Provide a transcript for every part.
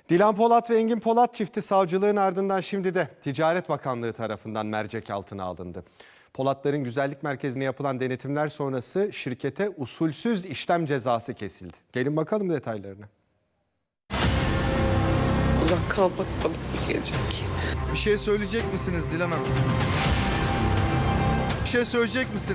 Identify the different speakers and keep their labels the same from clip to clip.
Speaker 1: Dilan Polat ve Engin Polat çifti savcılığın ardından şimdi de Ticaret Bakanlığı tarafından mercek altına alındı. Polatların güzellik merkezine yapılan denetimler sonrası şirkete usulsüz işlem cezası kesildi. Gelin bakalım detaylarına.
Speaker 2: Allah kalmak bana gelecek.
Speaker 3: Bir şey söyleyecek misiniz Dilan Hanım? Bir şey söyleyecek misiniz?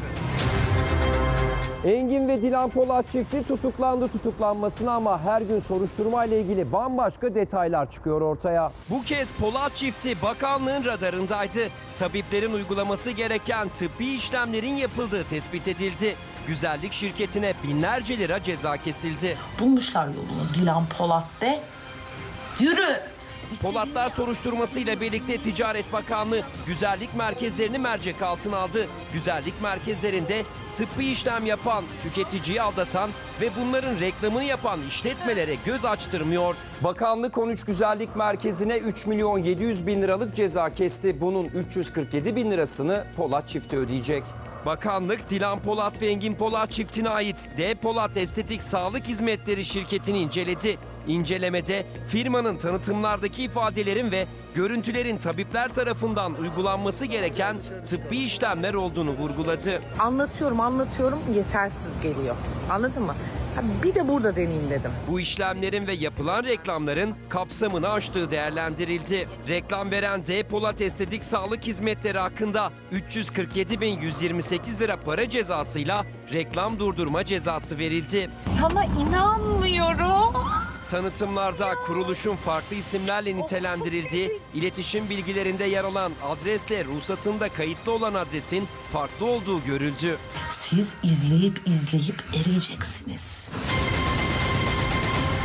Speaker 4: Engin ve Dilan Polat çifti tutuklanmasına ama her gün soruşturma ile ilgili bambaşka detaylar çıkıyor ortaya.
Speaker 5: Bu kez Polat çifti bakanlığın radarındaydı. Tabiplerin uygulaması gereken tıbbi işlemlerin yapıldığı tespit edildi. Güzellik şirketine binlerce lira ceza kesildi.
Speaker 6: Bulmuşlar yolunu Dilan Polat de. Yürü!
Speaker 5: Polatlar soruşturmasıyla birlikte Ticaret Bakanlığı güzellik merkezlerini mercek altına aldı. Güzellik merkezlerinde tıbbi işlem yapan, tüketiciyi aldatan ve bunların reklamını yapan işletmelere göz açtırmıyor. Bakanlık 13 güzellik merkezine 3.700.000 liralık ceza kesti. Bunun 347.000 lirasını Polat çifti ödeyecek. Bakanlık Dilan Polat ve Engin Polat çiftine ait D. Polat Estetik Sağlık Hizmetleri şirketini inceledi. İncelemede firmanın tanıtımlardaki ifadelerin ve görüntülerin tabipler tarafından uygulanması gereken tıbbi işlemler olduğunu vurguladı.
Speaker 2: Anlatıyorum yetersiz geliyor. Anladın mı? Bir de burada deneyeyim dedim.
Speaker 5: Bu işlemlerin ve yapılan reklamların kapsamını aştığı değerlendirildi. Reklam veren D. Polat Estetik Sağlık Hizmetleri hakkında 347.128 lira para cezasıyla reklam durdurma cezası verildi.
Speaker 6: Sana inanmıyorum.
Speaker 5: Tanıtımlarda kuruluşun farklı isimlerle nitelendirildiği, iletişim bilgilerinde yer alan adresle ruhsatında kayıtlı olan adresin farklı olduğu görüldü.
Speaker 6: Siz izleyip eriyeceksiniz.